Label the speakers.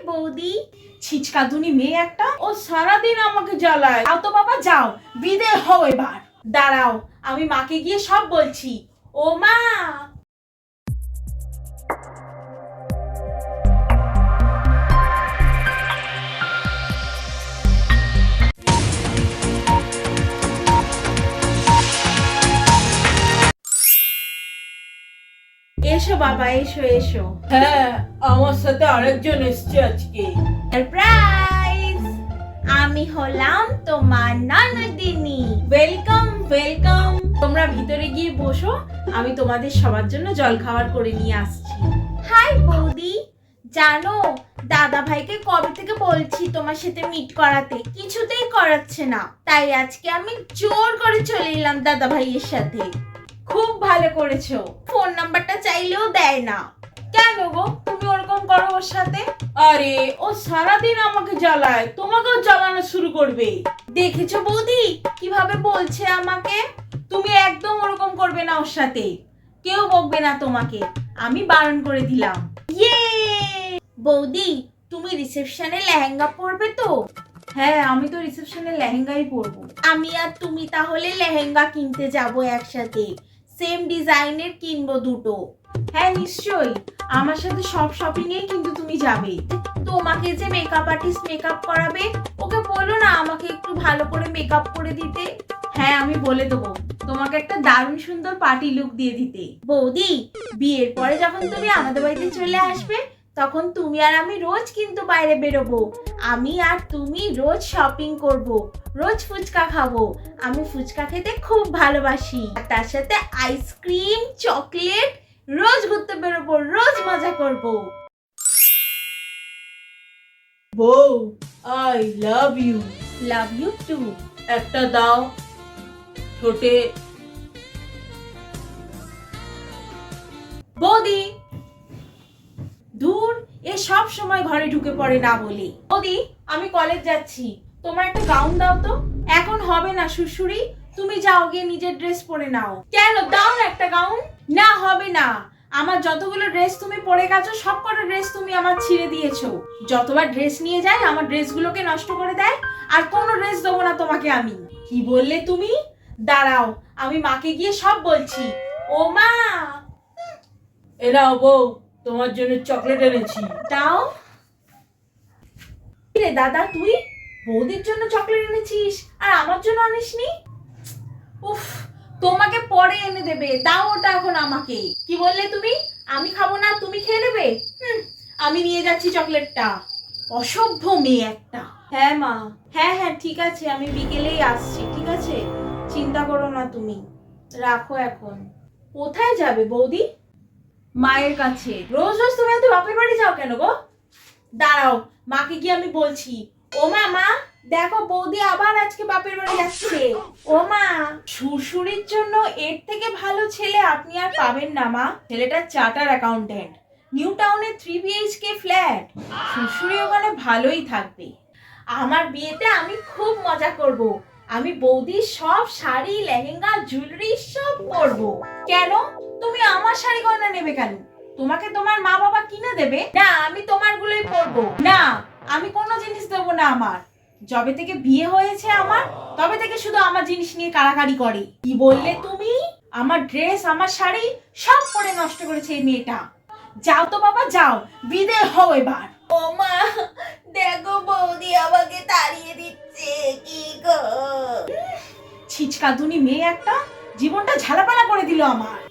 Speaker 1: বৌদি। ছিচকাদুনি মেয়ে একটা, ও সারাদিন আমাকে জ্বালায়। যাও তো বাবা যাও, বিদে হও এবার। দাঁড়াও, আমি মাকে গিয়ে সব বলছি। ও মা, এসো বাবা, এসো এসো। হ্যাঁ, আমার সাথে আরেকজন এসছে আজকে। সারপ্রাইজ, আমি হলাম তোমার ননদিনী। Welcome welcome. তোমরা ভিতরে গিয়ে বসো, আমি তোমাদের সবার জন্য জল খাবার করে নিয়ে আসছি। হাই বৌদি, জানো দাদা ভাইকে কবে থেকে বলছি তোমার সাথে মিট করাতে, কিছুতেই করাচ্ছে না। তাই আজকে আমি জোর করে চলে এলাম দাদা ভাইয়ের সাথে। খুব ভালো করেছো, ফোন নাম্বারটা চাইলেও দেয় না। কেন গো, তুমি ওরকম করো ওর সাথে? আরে ও সারাদিন আমাকে জ্বালায়, তোমাকেও জ্বালানো শুরু করবে। দেখেছো বৌদি কিভাবে বলছে আমাকে? তুমি একদম ওরকম করবে না ওর সাথে, কেউ বকবে না তোমাকে, আমি বারণ করে দিলাম। ইয়ে বৌদি, তুমি রিসেপশনে লেহেঙ্গা পরবে তো? হ্যাঁ, আমি তো রিসেপশনে লেহেঙ্গাই পরবো। আমি আর তুমি তাহলে লেহেঙ্গা কিনতে যাব একসাথে, সেম ডিজাইনের কিনবো দুটো। হ্যাঁ নিশ্চয়ই, আমার সাথে সব শপিং এ কিন্তু তুমি যাবে। তোমাকে যে মেকআপ আর্টিস্ট মেকআপ করাবে, ওকে বলো না আমাকে একটু ভালো করে মেকআপ করে দিতে। হ্যাঁ, আমি বলে দেবো তোমাকে একটা দারুণ সুন্দর পার্টি লুক দিয়ে দিতে। বৌদি, বিয়ের পরে যখন তুমি আমাদের বাড়িতে চলে আসবে, তখন তুমি আর আমি রোজ কিন্তু বাইরে বেরোবো। আমি আর তুমি রোজ শপিং করব, রোজ ফুচকা খাবো। আমি ফুচকা খেতে খুব ভালোবাসি, তার সাথে আইসক্রিম, চকলেট, রোজ ঘুরতে বেরোবো, রোজ মজা করব। বউ, I love you. Love you too. একটা দাও ছোটে। বৌদি, দূর, এ সব সময় ঘরে ঢুকে পড়ে না বলি। বৌদি, আমি কলেজ যাচ্ছি, তোমার একটা গাউন দাও তো। এখন হবে না শ্বশুরি, তুমি যাও গিয়ে নিজের ড্রেস পরে নাও। কেন, দাও না একটা গাউন। না হবে না, আমার যতগুলো ড্রেস তুমি পরে গেছো সব কটা ড্রেস তুমি আমার ছিঁড়ে দিয়েছো। যতবার ড্রেস নিয়ে যায় আমার ড্রেসগুলোকে নষ্ট করে দেয়, আর কোনো ড্রেস দেবো না তোমাকে আমি। কি বললে তুমি? দাঁড়াও, আমি মাকে গিয়ে সব বলছি। ও মা, এরাও বউ, তোমার জন্য চকলেট এনেছি, দাও। রে দাদা, তুই বৌদির জন্য চকলেট এনেছিস আর আমার জন্য আনিসনি? উফ, তোমাকে পরে এনে দেবে, দাও ওটা এখন আমাকে। কি বললে তুমি? আমি খাবো না, তুমি খেয়ে নেবে? আমি নিয়ে যাচ্ছি চকলেটটা। অসভ্য মেয়ে একটা। হ্যাঁ মা, হ্যাঁ হ্যাঁ ঠিক আছে, আমি বিকেলেই আসছি, ঠিক আছে, চিন্তা করো না তুমি, রাখো এখন। কোথায় যাবে বৌদি? মায়ের কাছে। রোজ রোজ তুমি এত বাপের বাড়ি যাও কেন গো? দাঁড়াও, মাকে গিয়ে আমি বলছি। ও মা, মা দেখো বৌদি আবার আজকে বাপের বাড়ি যাচ্ছে। ও মা, শ্বশুরের জন্য এর থেকে ভালো ছেলে আপনি আর পাবেন না মা। ছেলেটা চার্টার অ্যাকাউন্টেন্ট, নিউ টাউনে 3 BHK ফ্ল্যাট। শ্বশুরি ওখানে ভালোই থাকবে। আমার বিয়েতে আমি খুব মজা করব। আমি বৌদির সব শাড়ি, লেহেঙ্গা, জুয়েলারি সব পরবো। কেন, তুমি আমার শাড়ি গয়না নেবে কেন? তোমাকে তোমার মা বাবা কিনে দেবে না, আমি তোমার গুলোই পরবো। না, আমি কোনো জিনিস দেবো না আমার। যবে থেকে বিয়ে হয়েছে আমার, তবে থেকে শুধু আমার জিনিস নিয়ে কাড়াকাড়ি করে। কি বললে তুমি? আমার ড্রেস, আমার শাড়ি সব পরে নষ্ট করেছে এই মেয়েটা। যাও তো বাবা যাও, বিদে হও এবার। ও মা, দেখো বৌদি আমাকে তাড়িয়ে দিচ্ছে, কি গো। ছিচকাদুনি মেয়ে একটা, জীবনটা ঝালাপালা করে দিল আমার।